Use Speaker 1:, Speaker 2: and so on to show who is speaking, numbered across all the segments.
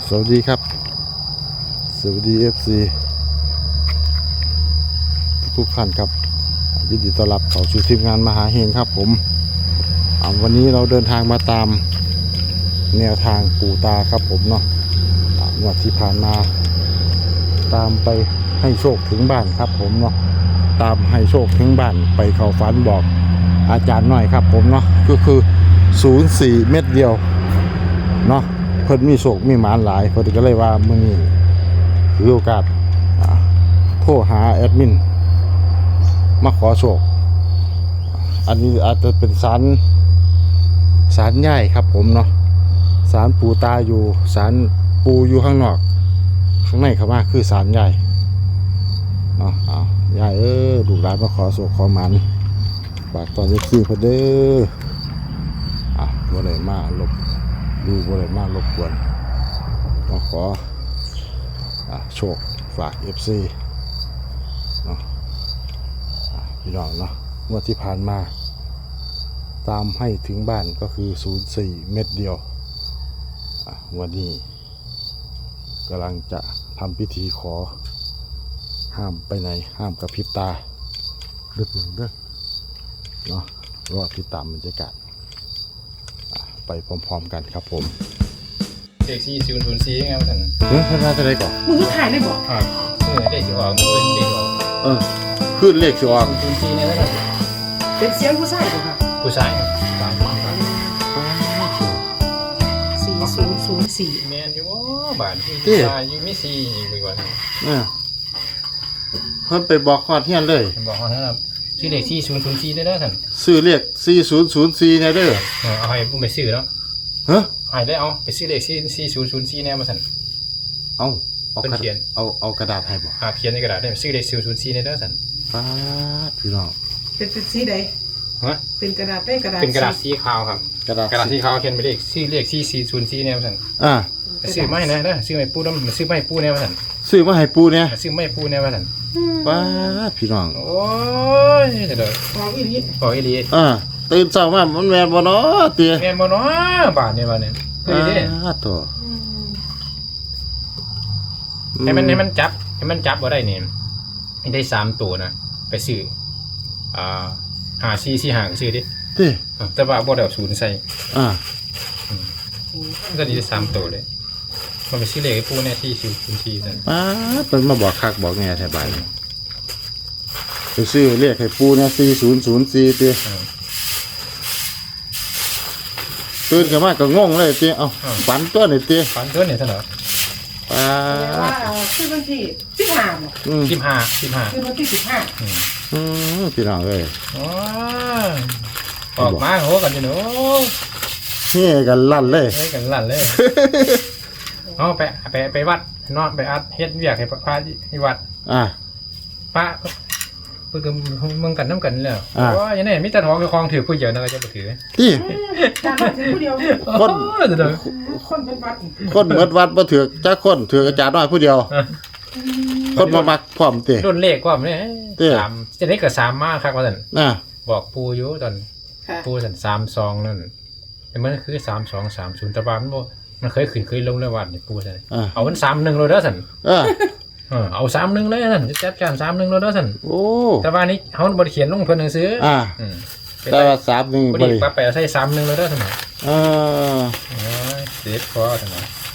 Speaker 1: สวัสดีครับสวัสดี FC ทุกท่านครับยินดีต้อนรับเข้าสู่ทีมงานมหาเฮงครับผมวันนี้เราเดินทางมาตามแนวทางปู่ตาครับผมเนาะงวดที่ผ่านมาตามไปให้โชคถึงบ้านครับผมเนาะตามให้โชคถึงบ้านไปเข้าฝันบอกอาจารย์หน่อยครับผมเนาะก็คือ04เม็ดเดียวเนาะเพิ่นมีโชคมีหมานหลายเพิ่นก็เลยว่ามื้อนี้ถือโอกาสโทรหาแอดมินมาขอโชคอันนี้อาจจะเป็นศาลใหญ่ครับผมเนาะศาลปู่ตาอยู่ศาลปู่อยู่ข้างนอกข้างในเข้ามาคือศาลใหญ่เนาะใหญ่ลูกหลานมาขอโชคขอหมานฝากตอนนี้คือเพิ่นเด้อบ่ได้มาลบดูบ่ได้มารบกวนมาขอโชคฝาก FC เนาะพี่น้องเนาะเมื่อที่ผ่านมาตามให้ถึงบ้านก็คือ04เม็ดเดียววันนี้กำลังจะทำพิธีขอห้ามไปไหนห้ามกระพริบตาเด้อเนาะรอติดตามบรรยากาศไปพร้อมๆกันครับผม
Speaker 2: เด็ก4004ไงว่าซั่น
Speaker 1: ท่านว่าจะได้ก่อน
Speaker 3: มึงก็ถ่ายได้บ่
Speaker 2: ครับเด็กสิออกเพิ่นเด็กออก
Speaker 1: ขึ้นเลขสิออก
Speaker 2: 04เนี่ยแล้ว
Speaker 3: เป็นเสียงผู้ชายบ่ครับ
Speaker 2: ผู้ชาย
Speaker 3: 4004
Speaker 2: แม่นอยู่บ้านที่อยู่มี4อีกว่า
Speaker 1: เพิ่นไปบอกฮอดเฮียนเลย
Speaker 2: บอกเขานะครับชื่อเด็ก4004ได้แล้วท่าน
Speaker 1: ซื้อเลข4004เนี่ยเด้อ
Speaker 2: เอาให้ผู้ไปซื้อแล้ว
Speaker 1: ฮะ
Speaker 2: ให้ได้เอาไปซื้อเลข4004แน่มาซั่น
Speaker 1: เอา
Speaker 2: เขียน
Speaker 1: เอากระดาษให้บ่
Speaker 2: เขียนในกระดาษได้ซื้อเลข4004แน่เด้อซั่น
Speaker 1: ป๊าดพี่น้อง
Speaker 3: เป็นสีใด
Speaker 2: ฮะ
Speaker 3: เป็นกระดาษได้กระดาษ
Speaker 2: เป็นกระดาษสีขาวครับกระดาษสีขาวเขียนไปเลขชื่อเลข4004แน่มาซั่นซื้อมาให้นะเด้อซื้อให้ปู่นำซื้อมาให้ปู่แน่มาซั่น
Speaker 1: ซื้อมาให้ปู่เนี่ย
Speaker 2: ซื้อมาให้ปู่แน่มาซั่น
Speaker 1: ป๊าดพี่น้อง
Speaker 2: โอ้ยเด้อ
Speaker 3: ของอีหลี
Speaker 1: ตื่นเช้ามามันแม่นบ่เนาะเตี้ย
Speaker 2: แม่นบ่เนาะบาดนี้ว่าเนี่ยเฮ้ยเด้
Speaker 1: ตัว
Speaker 2: ให้มันจับบ่ได้นี่ให้ได้3ตัวนะไปซื้อ5445ก็ซื้อดิแต่ว่าบ่ได้เอา0ใส่ก็ได้3ตัวเลยมันไปซื้อเลขให้ปู่แน่ที่004ซั่น
Speaker 1: เพิ่นมาบอกคักบอกแน่แท้บาดนี้ไปซื้อเลขให้ปู่เนี่ย4004เตี้ยตื่นขึ้นมาก็งงเลยเตี้ยฝันตัวนี่เตี้ย
Speaker 2: ฝันตัวนี่ซั่นเหรอ
Speaker 3: คือวันที่15บ่
Speaker 2: 15
Speaker 3: คือวันที่15
Speaker 1: พี่น้องเอ้ย
Speaker 2: ออกมาโหกันอยู่เนาะ
Speaker 1: เฮ้กันลั่นเลย
Speaker 2: ไปวัดนอนไปอัดเฮ็ดเวียกให้พระที่วัดพระเพิ่นก็มึงกันน้ำกันแล้วอย่างนี้มีแต่ท้องกับคลองถือผู้เดียวนะก็จะบ่ถือ
Speaker 1: ที่
Speaker 3: การถือผู้เดียวคนเป็นวัด
Speaker 1: คนเบิดวัดบ่ถือจักคนถืออาจารย์น้อยผู้เดียวคนบ่มักพร้อมติ
Speaker 2: รุ่นเลขพร้อมเนี่ย3จะได้ก็3มาคักว่าซั่นบอกปู่อยู่ตอนปู่ซั่น32นั่นมันคือ3230แต่ว่ามันเคยขึ้นเคยลงแล้ววัดนี่ปู่ซั่นเอามัน31เลยเด้อซั่นเอา31เลยนั่นจัดการ31เลยเด้อซั่น
Speaker 1: โอ้
Speaker 2: แต่ว่านี้เฮาบ่ได้เขียนลงเพิ่นหนังสือ
Speaker 1: แต่ว่า31
Speaker 2: บ่ได้ปรับไปใส่31เลยเด้อซั่นเด็ดพอซั่น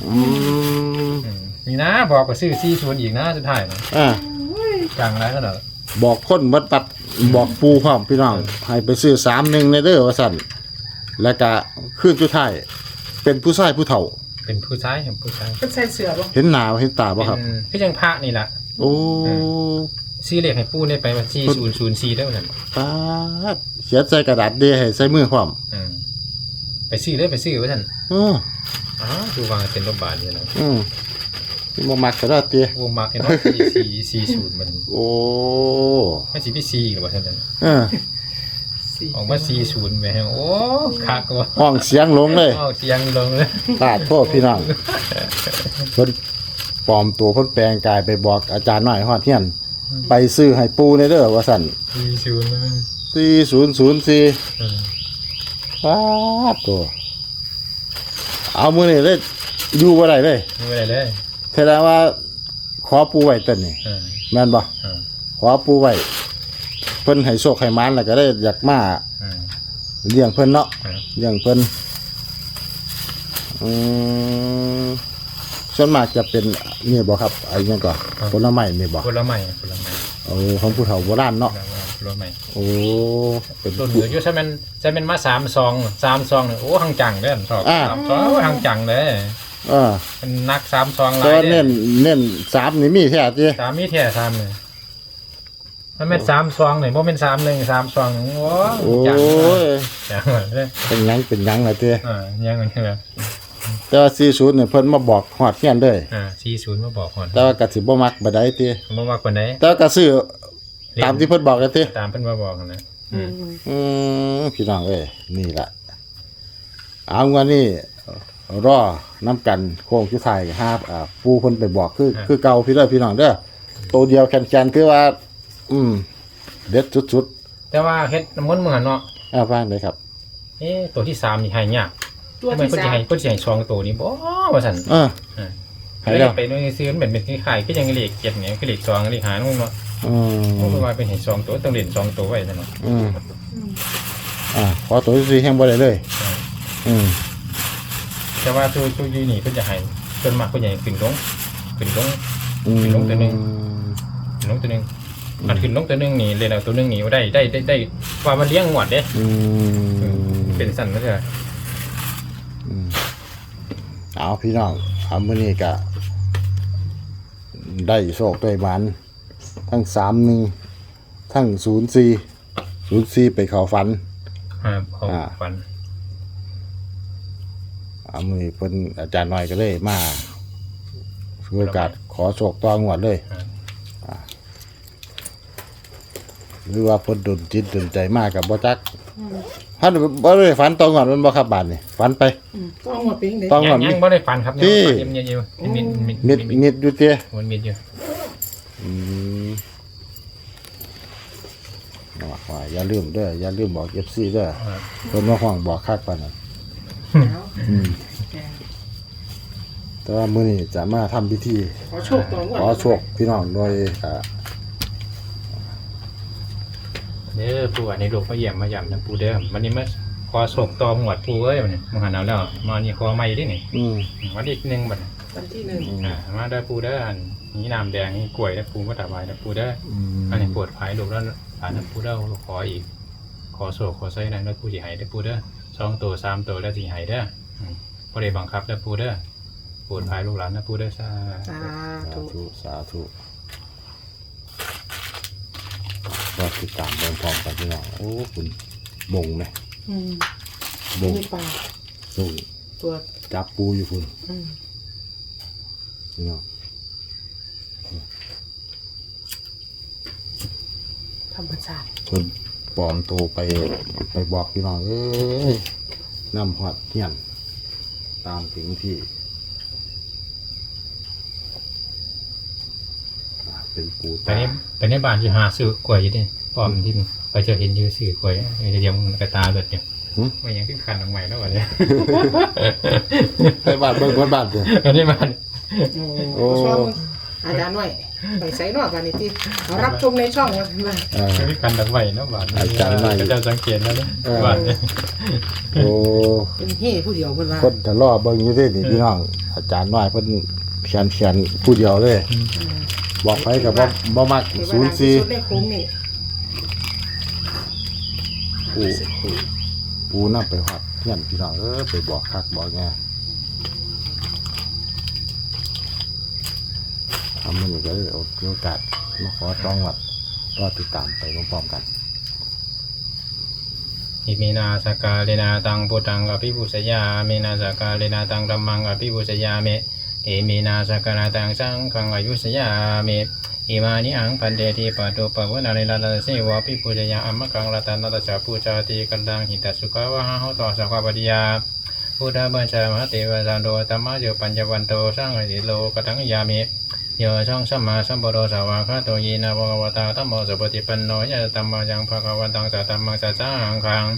Speaker 2: นี่นะบอกก็ซื้อ40อีกนะสุดท้ายนะจังไรก็เด้อ
Speaker 1: บอกคนวัดปัดบอกปู่พร้อมพี่น้องให้ไปซื้อ31ในเด้อว่าซั่นแล้วก็คืนสุดท้ายเป็นผู้ชายผู้เฒ่า
Speaker 2: เป็นผู้ชาย
Speaker 3: เป็นใส่เสื้อบ่
Speaker 1: เห็นหน้าเห็นตาบ่ครับ
Speaker 2: คือจังพระนี่ล่ะ
Speaker 1: โอ้
Speaker 2: ซื้อเลขให้ปู่ได้ไปว่า4004ได้ว่าซั่น
Speaker 1: ป๊าดเขียนใส่กระดาษเดให้ใส่มือพร้อม
Speaker 2: ไปซื้อว่าซั่นดูวางเป็นรบบาทนี่เนาะ
Speaker 1: บ่มักซะแล้วติ
Speaker 2: บ่มักเนาะ40มัน
Speaker 1: โอ้
Speaker 2: มันสิมี4หรือว่าซั่นออกมา40แม่โอ้คักว่า
Speaker 1: ห้องเสียงลงเลย
Speaker 2: เสียงลงเลย
Speaker 1: ตาโทษพี่น้องเพิ่นปลอมตัวเพิ่นแปลงกายไปบอกอาจารย์น้อยฮอดเฮียนไปซื้อให้ปู่ในเด้อว่าซั่น4004ตัวเอามื้อนี้เลยอยู่บ่ได้เลย
Speaker 2: ไม่ได้เลย
Speaker 1: แสดงว่าขอปูไว้ต้นนี่
Speaker 2: เออ
Speaker 1: แม่นบ่
Speaker 2: เออ
Speaker 1: ขอปูไว้เพิ่นให้โชคให้หมานแล้วก็ได้อยากมา
Speaker 2: เออ
Speaker 1: เลี้ยงเพิ่นเนาะ
Speaker 2: เออ
Speaker 1: เลี้ยงเพิ่นอืมส่วนมากจะเป็นนี่บ่ครับไอ้หยังก่อนผลไม้นี่บ่
Speaker 2: ผลไม้
Speaker 1: โอ้ของผู้เฒ่าโบราณเนาะ
Speaker 2: ผลไม้
Speaker 1: โอ้เป็น
Speaker 2: ต้นเหลืออยู่ใช่มันมา3 ซองเนี่ยโอ้หังจังเด้อชอบ3 ซองโอ้หังจังเลย มันนัก3 ซองหลา
Speaker 1: แต่
Speaker 2: ย
Speaker 1: ว่า
Speaker 2: เด้
Speaker 1: เน้น3นี่มีแท้ติ
Speaker 2: สามมีแท้3เลยมันเป็น3 ซองนี่บ่เป็น3 1 3 ซองโอ้
Speaker 1: โอ้
Speaker 2: จัง
Speaker 1: ย
Speaker 2: จังเลย
Speaker 1: เป็นหยังล่ะติ
Speaker 2: ยังมันคือแบบ
Speaker 1: แต่ว่า40เนี่ยเพิ่นมาบอกฮอดเฮียนเลย
Speaker 2: 40มาบอกก่อน
Speaker 1: แต่ว่าก็สิบ่มักบ่ได้ติ
Speaker 2: บ่ว่าคนใด
Speaker 1: แต่ว่าก็ซื้อตามที่เพิ่นบอกกันติ
Speaker 2: ตามเพิ่นมาบอกนะ
Speaker 1: พี่น้องเอ้ยนี่ล่ะเอางั้นนี่รอน้ำกันโค้งสุดท้ายปูเพิ่นไปบอกคือเก่าพี่เด้อพี่น้องเด้อตัวเดียวแคนๆคือว่า เด็ดสุด
Speaker 2: แต่ว่าเฮ็ดน้ำมนต์มื้อเนาะ
Speaker 1: ๆฟังเลยครับ
Speaker 2: ตัวที่3นี่ให้ยาก
Speaker 3: ตัว
Speaker 2: ทำไม
Speaker 3: ที่
Speaker 2: เพิ่นสิ
Speaker 3: สาม
Speaker 2: ให้เพิ่นสิให้2ตัวนี้บ่ว่าซั่น
Speaker 1: ให้แล้ว
Speaker 2: ไปนู่นซื้อมันเป็นคล้ายๆก็ยังเลข7เนี่ยคือเลข2เลข5นู่นเนาะ เพราะว่าเป็นให้2 ตัวต้องเล่น2 ตัวไว้ซั่นเนาะ
Speaker 1: ขอตัวที่4แห่งบ่ได้เลย
Speaker 2: แต่ว่าตัวอยู่นี่เพิ่นจะให้เพิ่นมักเพิ่นจะให้ขึ้นลงลงตัวหนึงมันขึ้นลงตัวหนึงนี่เล่นเอาตัวหนึงนี่ได้ว่ามันเลี้ยงงวดเด้เป็นสั่นก็จะ
Speaker 1: เอาพี่น้องมื้อนี้ก็ได้โชคได้หมานทั้ง31ทั้ง04ไปเข้าฝัน
Speaker 2: เขาฝัน
Speaker 1: มื้อนี้เพิ่นอาจารย์น้อยก็เลยมาถือโอกาสขอโชคต่องวดเลยหรือว่าเพิ่นดลจิตดลใจมากกับบ่จักท่านบ่ได้ฝันต่องวดมันบ่ครับบาดนี่ฝันไป
Speaker 3: ต้องหมดเป็นเด็ก
Speaker 1: ต้องหมด
Speaker 2: ยังบ่ได้ฝันครับยังมีอยู่
Speaker 1: มิดอยู่เตี้ย
Speaker 2: มันมีอยู่
Speaker 1: ว่าอย่าลืมเด้ออย่าลืมบอก FC เด้อเพิ่นว่าห้องบอกคักปานนั้นแต่ว่ามื้อนี้จะมาทำพิธี
Speaker 3: ขอโชคตัวงวด
Speaker 1: ขอโชคพี่น้องโดย
Speaker 2: ปู่ในลูกมาเยี่ยมมาย่ำนะปู่เด้อวันนี้มาขอโศกตอหมวดปู่เอ้ยมันมาหาเอาแล้วมานี่ขอใหม่ดินี่วันที่1บัด
Speaker 3: วันที่1
Speaker 2: มาได้ปู่เด้อนี่น้ำแดงนี่กล้วยได้ปู่มาถวายได้ปู่เด้ออันนี้ปวดภายลูกแล้วผ่านปู่เด้อขออีกขอโศกขอไส้นั้นได้ปู่สิให้ได้ปู่เด้อ2 ตัว 3 ตัวแล้วสิให้เด้อบ่ได้บังคับได้ปู่เด้อปวดภายลูกหลานนะปู่เด้อสา
Speaker 1: ธุก็ติดตามเบิ่งพร้อมกันพี่น้องโอ้คุณบงไหมบง
Speaker 3: มีปลา
Speaker 1: ส่ง
Speaker 3: ตัว
Speaker 1: จับปูอยู่คุณพี่น้อง
Speaker 3: ธรรมชาติ
Speaker 1: คนปลอมโตไปบอกพี่น้องเอ้ยนำหอดเฮียนตามถึงที่เป็นปู
Speaker 2: ไปในบ้านอยู่หาซื้อกล้วยอยู่ดิป้อมที่ไปเจอเห็นอยู่ซื้อกล้วยเดี๋ยวมันกระตาเลือดเนี่ยไม่ยังขึ้นคันออกใหม่แล้ววะเนี่ย
Speaker 1: ไปบ้านเบิ่งบ้านเด้อ
Speaker 2: อันนี้บ้าน
Speaker 3: โอ้อาจารย์หน่อยไปใส่นอกกันนี่ที่รับชมในช่องว่าซั่นว่า
Speaker 2: ขึ้นคันออกใหม่แล้วบ้านจะสังเกตแล้วเนี่ยบ้านเนี่ย
Speaker 1: โอ้
Speaker 3: เป็นเฮ่ผู้เดียวเพิ่นว่า
Speaker 1: คนจะรอเบิ่งอยู่เด้นี่พี่น้องอาจารย์น้อยเพิ่นเขียนผู้เดียวเลยบอกไปกับบ่มัก
Speaker 3: ที่ว่า
Speaker 1: 04
Speaker 3: สุดในโค้งนี่
Speaker 1: ปูนำไปฮอดเฮียนพี่น้องไปบอกคักบอกแง่มันก็เลยโอกาสมาขอต้องวัดรอติดตามไปพร้อมๆกัน
Speaker 2: อิมินาสกาเลนาตังพุทธังอภิปุสยาเมนาสกาเลนาตังธัมมังอภิปุสยาเมเอมินาสกานาตังสังฆังอายุสยาเมอิมานิอังปันเดติปะโตปะวนาลิลาลาเสวะภิปุสยาอัมมะกังรัตนัตจาปูจาติกันดังหิตสุขาวะหะโหตสัพพะปฏิยาพุทธบัญชามหาเทวสันโดตัมมะโยปัญญวันโตสังหิโลกตังยามิโยช่องสัมมาสัมพุทโธสาวะคาโตยีนาภควตาธัมโมสุปฏิปันโนยะธัมมายังภควตังสัตตัมมังสัจจังคัง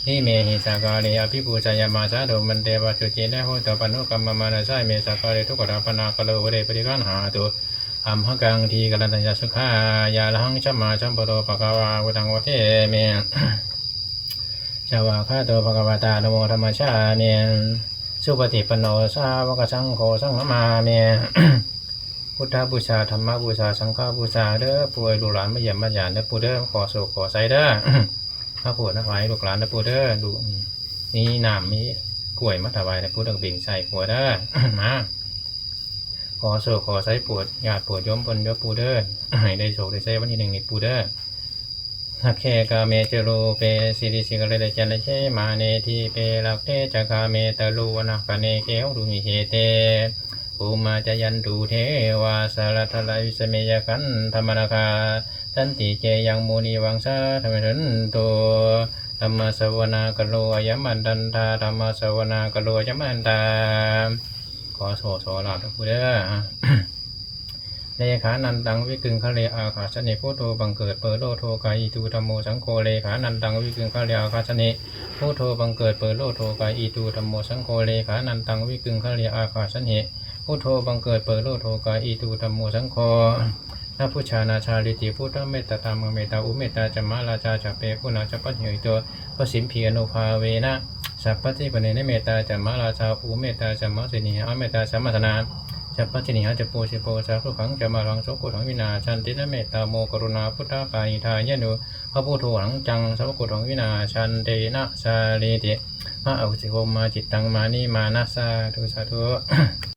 Speaker 2: นิเมหิสากาเลอภิปูชายามาสาโดมันเตวะจุจินะโหตปนุกรรมมานาสายเมสากาเลทุกขดาปนากะโลวเรปริกันหาตุอัมหกังทีกัลตัญญาสุขายาลังชัมมาชัมปโตปะกวาวุตังวเทเมชาวาคาโตภควตาโนโมธรรมชาเมสุปฏิปันโนสาวกสังโฆสังฆมาเมพุทธบูชาธรรมบูชาสังฆบูชาเด้อป่วยลูกหลานมาเยี่ยมมาหยานเด้อปู่เด้อขอโศกขอไซเด้อ พระปู่นะไว้ลูกหลานเด้อปู่เด้อดูนี่น้ำมีกล้วยมาถวายเด้อปู่เด้อบิ่งใส่หัวเด้อ มาขอโศกขอไซปวดญาติปวดย้อมปนเด้อปู่เด้อ ให้ได้โศกได้ไซวันที่1นี่ปู่เด้อหักแค่กาเมเจโรเปสิริสิกะเลเดจันเชมาเนทีเปลักเทจักาเมตะลูวนะกะเนเกวรุมิเหเตภูมาจยันตุเทวาสารทลายวิสเมยกันธรรมนาคาสันติเจยังมุนีวังสาธรรมทันโตธรรมสวนากัลโลยมันดันตาธรรมสวนากัลโลยมันตาขอโสลาภพุทธเลขานันตังวิกึงคะเลอาคาสเนพุทโธบังเกิดเปิดโลโทกายอิตูธรรมโมสังโฆเลขานันตังวิกึงคะเลอาคาสเนพุทโธบังเกิดเปิดโลโทกายอิตูธรรมโมสังโฆเลขานันตังวิกึงคะเลอาคาสเนพุทโธบังเกิดเปิดโลโทกายอิตูธรรมโมสังโฆนาพุชานาชาลิติพุทธเมตตาธรรมเมตตาอุเมตตาจัมมาราชาจัปเปกุณาจัปปัญญโยตัวพสิมพีอนุภาเวนะสัพพติปเนเมตตาจัมมาราชาอุเมตตาจัมมาสินีอเมตตาสัมมาสนาจัปปัจจินิหะจัปโปสิโปสารุขังจัมมารังโสกุถังวินาชันตินะเมตตาโมกรุณาพุทธกายิทายะโนพระพุทโธหังจังสัพพกุถังวินาชันเตนะสาลีติมะอภิสิโภมาจิตตังมานิมานะสาธุสาธุ